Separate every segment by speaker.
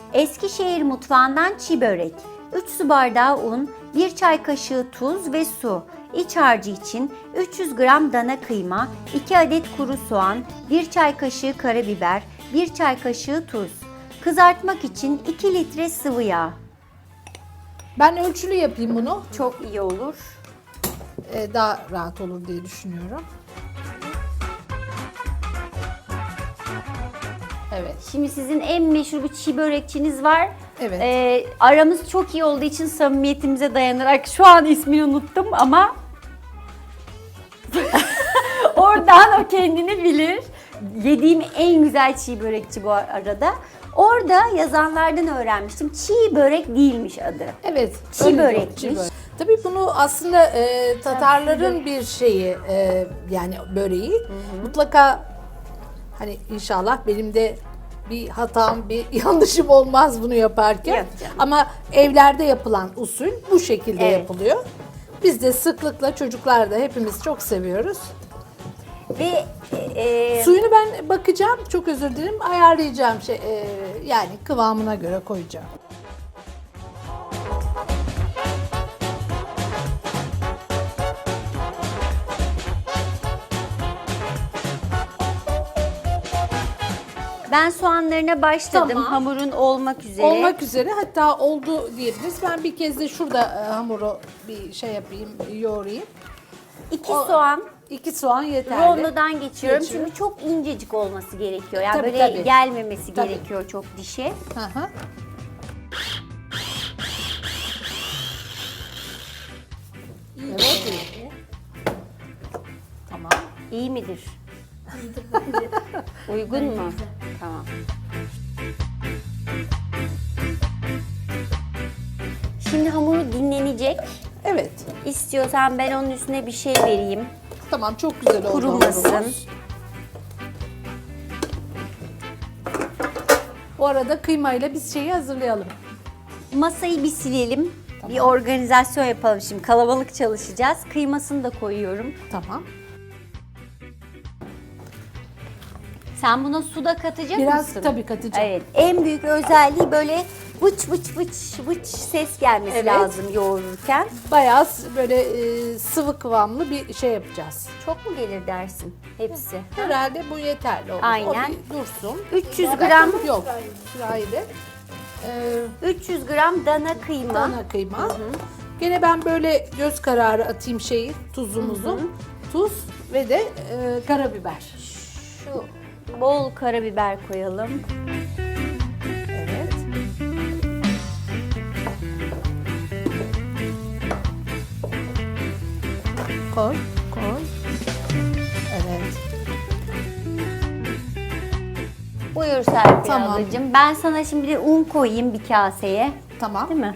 Speaker 1: Eskişehir mutfağından çiğ börek. 3 su bardağı un, 1 çay kaşığı tuz ve su. İç harcı için 300 gram dana kıyma, 2 adet kuru soğan, 1 çay kaşığı karabiber, 1 çay kaşığı tuz. Kızartmak için 2 litre sıvı yağ.
Speaker 2: Ben ölçülü yapayım bunu.
Speaker 1: Çok iyi olur.
Speaker 2: Daha rahat olur diye düşünüyorum. Evet.
Speaker 1: Şimdi sizin en meşhur bir çiğ börekçiniz var.
Speaker 2: Evet.
Speaker 1: Aramız çok iyi olduğu için samimiyetimize dayanarak şu an ismini unuttum ama oradan o kendini bilir. Yediğim en güzel çiğ börekçi bu arada. Orada yazanlardan öğrenmiştim. Çiğ börek değilmiş adı.
Speaker 2: Evet.
Speaker 1: Çiğ
Speaker 2: öyle diyor,
Speaker 1: börekmiş.
Speaker 2: çiğ börek. Tabii bunu aslında Tatarların bir şeyi yani böreği. Mutlaka hani inşallah benim de bir hatam, bir yanlışım olmaz bunu yaparken.
Speaker 1: Yok canım.
Speaker 2: Ama evlerde yapılan usul bu şekilde
Speaker 1: Evet.
Speaker 2: yapılıyor. Biz de sıklıkla çocuklar da hepimiz çok seviyoruz.
Speaker 1: Ve
Speaker 2: Suyunu ben bakacağım, çok özür dilerim, ayarlayacağım yani kıvamına göre koyacağım.
Speaker 1: ben soğanlarına başladım.
Speaker 2: Tamam.
Speaker 1: Hamurun olmak üzere.
Speaker 2: Olmak üzere, hatta oldu diyebiliriz. Ben bir kez de şurada hamuru bir şey yapayım, yoğurayım.
Speaker 1: 2 soğan
Speaker 2: 2 soğan yeterli.
Speaker 1: rondodan geçiyorum.
Speaker 2: Geçiyor.
Speaker 1: Çünkü çok incecik olması gerekiyor. Yani
Speaker 2: Tabii,
Speaker 1: böyle
Speaker 2: tabii.
Speaker 1: gelmemesi
Speaker 2: Tabii.
Speaker 1: gerekiyor çok dişe.
Speaker 2: Hı hı. Evet. Tamam.
Speaker 1: İyi midir? Uygun mu? Tamam. Şimdi hamuru dinlenecek.
Speaker 2: Evet.
Speaker 1: İstiyorsan ben onun üstüne bir şey vereyim.
Speaker 2: Tamam, çok güzel oldu.
Speaker 1: Kurumasın.
Speaker 2: hamurumuz. Bu arada kıymayla biz şeyi hazırlayalım.
Speaker 1: Masayı bir silelim. Bir organizasyon yapalım şimdi. Kalabalık çalışacağız. Kıymasını da koyuyorum.
Speaker 2: Tamam.
Speaker 1: Sen buna su da katacak
Speaker 2: Biraz
Speaker 1: mısın?
Speaker 2: tabii katacağım.
Speaker 1: Evet. En büyük özelliği böyle vıç vıç vıç vıç ses gelmesi
Speaker 2: Evet.
Speaker 1: lazım yoğururken.
Speaker 2: Bayağı böyle sıvı kıvamlı bir şey yapacağız.
Speaker 1: Çok mu gelir dersin hepsi?
Speaker 2: Herhalde bu yeterli olur.
Speaker 1: Aynen.
Speaker 2: O bir dursun.
Speaker 1: 300 gram
Speaker 2: Yok. Sırayla.
Speaker 1: 300 gram dana kıyma.
Speaker 2: Dana kıyma. Gene ben böyle göz kararı atayım tuzumuzu. Tuz ve de karabiber.
Speaker 1: Şu bol karabiber koyalım.
Speaker 2: Evet. Koy, koy. Evet.
Speaker 1: Buyur Serpil
Speaker 2: Tamam.
Speaker 1: ablacığım. Ben sana şimdi bir un koyayım bir kaseye.
Speaker 2: Tamam.
Speaker 1: Değil mi?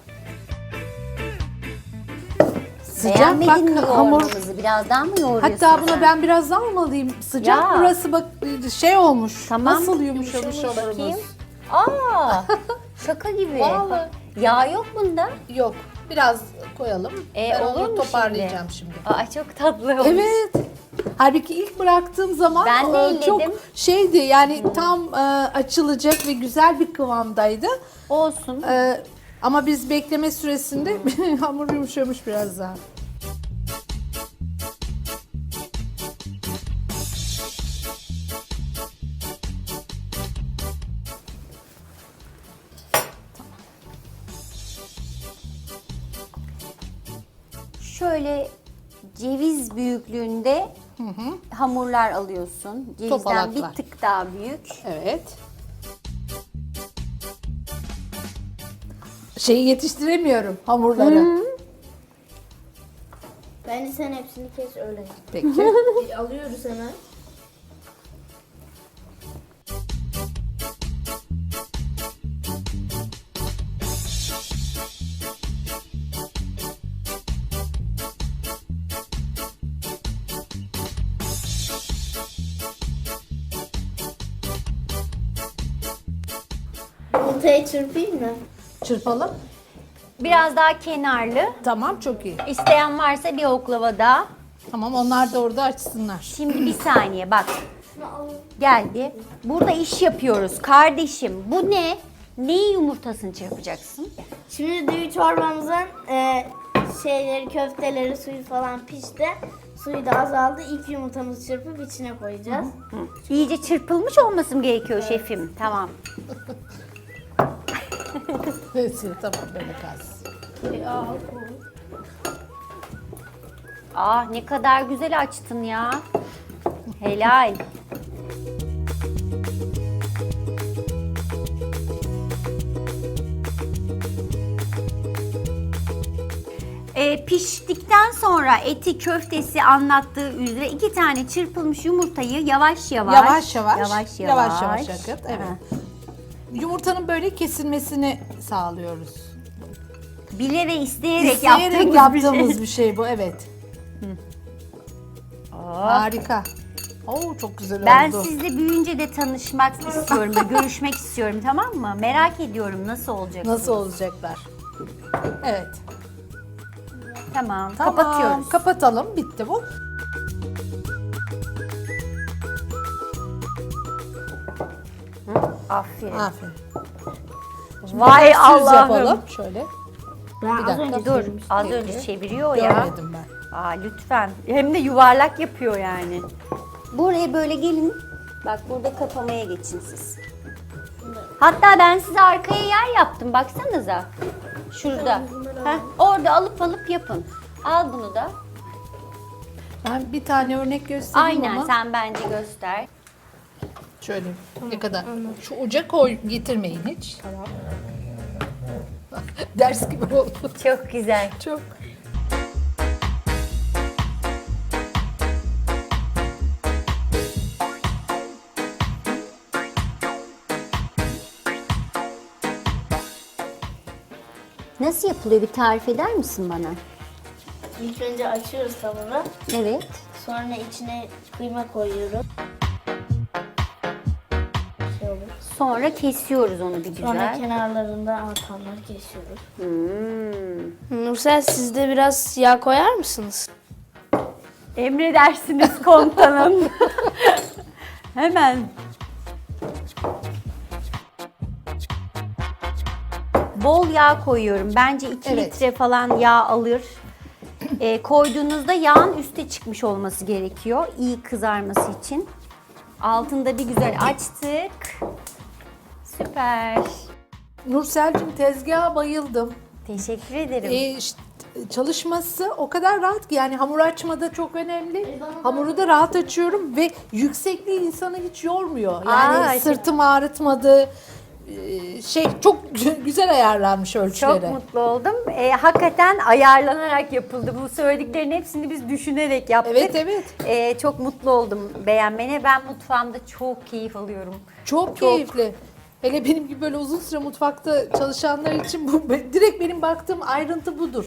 Speaker 2: Sıcak
Speaker 1: Beğenmedin mi
Speaker 2: bak hamur.
Speaker 1: yoğurmamızı? Biraz daha mı yoğuruyorsun
Speaker 2: Hatta buna
Speaker 1: sen?
Speaker 2: ben biraz daha mı alayım? Sıcak
Speaker 1: Ya.
Speaker 2: burası bak olmuş.
Speaker 1: Tamam.
Speaker 2: Nasıl yumuşamış hamurumuz.
Speaker 1: Bakayım. Aa, şaka gibi.
Speaker 2: Vallahi.
Speaker 1: Yağ yok bunda.
Speaker 2: Yok. Biraz koyalım. Ben
Speaker 1: olur
Speaker 2: onu
Speaker 1: mu
Speaker 2: toparlayacağım şimdi.
Speaker 1: Aa, çok tatlı olmuş.
Speaker 2: Evet. Halbuki ilk bıraktığım zaman
Speaker 1: Ben de
Speaker 2: çok
Speaker 1: elledim.
Speaker 2: şeydi yani tam açılacak ve güzel bir kıvamdaydı.
Speaker 1: Olsun.
Speaker 2: Ama biz bekleme süresinde hamur yumuşamış biraz daha.
Speaker 1: Şöyle ceviz büyüklüğünde hamurlar alıyorsun. Cevizden
Speaker 2: Topalaklar.
Speaker 1: bir tık daha büyük.
Speaker 2: Evet. Şeyi yetiştiremiyorum hamurları.
Speaker 3: Bence sen hepsini kes öyle.
Speaker 2: Peki.
Speaker 3: Alıyoruz hemen. Yumurtayı çırpayım mı?
Speaker 2: Çırpalım.
Speaker 1: Biraz daha kenarlı.
Speaker 2: Tamam, çok iyi.
Speaker 1: İsteyen varsa bir oklava daha.
Speaker 2: Tamam, onlar da orada açsınlar.
Speaker 1: Şimdi bir saniye bak. Gel bir. Burada iş yapıyoruz kardeşim. Bu ne? Neyi yumurtasını çırpacaksın?
Speaker 3: Şimdi düğü çorbamızın şeyleri, köfteleri, suyu falan pişti. Suyu da azaldı. İlk yumurtamızı çırpıp içine koyacağız.
Speaker 1: İyice çırpılmış olması mı gerekiyor şefim? Tamam.
Speaker 2: Neyse tamam böyle kalsın.
Speaker 1: Ah ne kadar güzel açtın ya. Helal. Piştikten sonra eti, köftesi anlattığı üzere 2 tane çırpılmış yumurtayı yavaş yavaş
Speaker 2: yavaş akıt. Evet. Yumurtanın böyle kesilmesini sağlıyoruz.
Speaker 1: Bile ve isteyerek,
Speaker 2: İsteyerek yaptığımız bir şey bu, evet.
Speaker 1: Oh.
Speaker 2: Harika. Oo çok güzel
Speaker 1: Ben
Speaker 2: oldu.
Speaker 1: sizle büyüyünce de tanışmak istiyorum ve görüşmek istiyorum, tamam mı? Merak ediyorum nasıl olacak.
Speaker 2: Nasıl olacaklar? Evet.
Speaker 1: Tamam,
Speaker 2: Tamam,
Speaker 1: kapatıyoruz.
Speaker 2: Kapatalım. Bitti bu.
Speaker 1: Aferin.
Speaker 2: Aferin.
Speaker 1: Vay
Speaker 2: Biraz süz
Speaker 1: Allah'ım.
Speaker 2: yapalım. Şöyle.
Speaker 3: Ben
Speaker 2: Bir
Speaker 3: az
Speaker 2: dakika.
Speaker 3: önce
Speaker 1: Dur,
Speaker 3: çevirmiştim.
Speaker 1: az önce çeviriyor ya.
Speaker 2: Görmedim ben.
Speaker 1: Aa lütfen. Hem de yuvarlak yapıyor yani. Buraya böyle gelin. Bak burada kapamaya geçin siz. Hatta ben size arkaya yer yaptım. Baksanıza. Şurada. Heh, orada alıp yapın. Al bunu da.
Speaker 2: Ben bir tane örnek göstereyim
Speaker 1: Aynen
Speaker 2: ama.
Speaker 1: sen bence göster.
Speaker 2: Şöyle ne kadar. Şu uca koy, getirmeyin hiç. Tamam. Ders gibi oldu.
Speaker 1: Çok güzel.
Speaker 2: Çok.
Speaker 1: Nasıl yapılıyor, bir tarif eder misin bana?
Speaker 3: İlk önce açıyoruz tavanı.
Speaker 1: Evet.
Speaker 3: Sonra içine kıyma koyuyoruz. Şey olur.
Speaker 1: Sonra kesiyoruz onu bir
Speaker 3: Sonra
Speaker 1: güzel.
Speaker 3: kenarlarından artanları kesiyoruz.
Speaker 1: Hmm.
Speaker 3: Nursel siz de biraz yağ koyar mısınız?
Speaker 1: Emredersiniz komutanım. Hemen. Bol yağ koyuyorum. Bence 2
Speaker 2: Evet.
Speaker 1: litre falan yağ alır. Koyduğunuzda yağın üste çıkmış olması gerekiyor. İyi kızarması için. Altında bir güzel açtık. Süper.
Speaker 2: Nursel'cim tezgaha bayıldım.
Speaker 1: Teşekkür ederim.
Speaker 2: İşte çalışması o kadar rahat ki, yani hamur açmada çok önemli. Hamuru da rahat açıyorum ve yüksekliği insanı hiç yormuyor. Yani
Speaker 1: Aa,
Speaker 2: sırtım ağrıtmadı. Çok güzel ayarlanmış ölçüleri.
Speaker 1: Çok mutlu oldum. Hakikaten ayarlanarak yapıldı. Bu söylediklerin hepsini biz düşünerek yaptık.
Speaker 2: Evet, evet.
Speaker 1: Çok mutlu oldum beğenmene. Ben mutfağımda çok keyif alıyorum.
Speaker 2: Çok keyifli. Hele benim gibi böyle uzun süre mutfakta çalışanlar için bu direkt benim baktığım ayrıntı budur.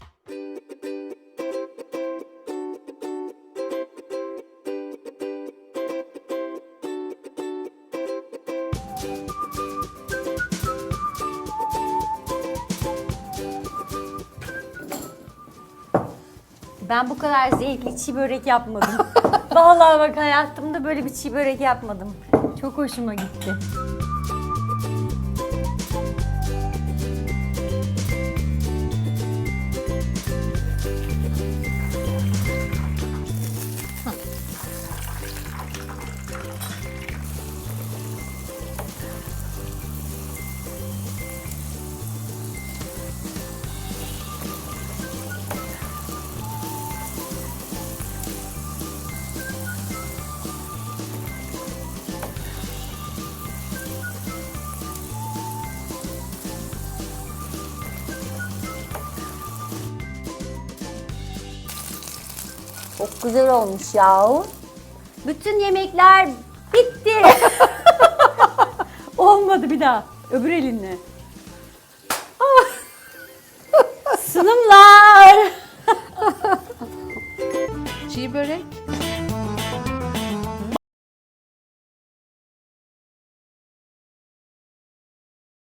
Speaker 1: Ben bu kadar zevkli çiğ börek yapmadım. Vallahi bak hayatımda böyle bir çiğ börek yapmadım. Çok hoşuma gitti. Çok güzel olmuş yahu. Bütün yemekler bitti. Olmadı bir daha. Öbür elinle. Sunumlar.
Speaker 2: Çiğ börek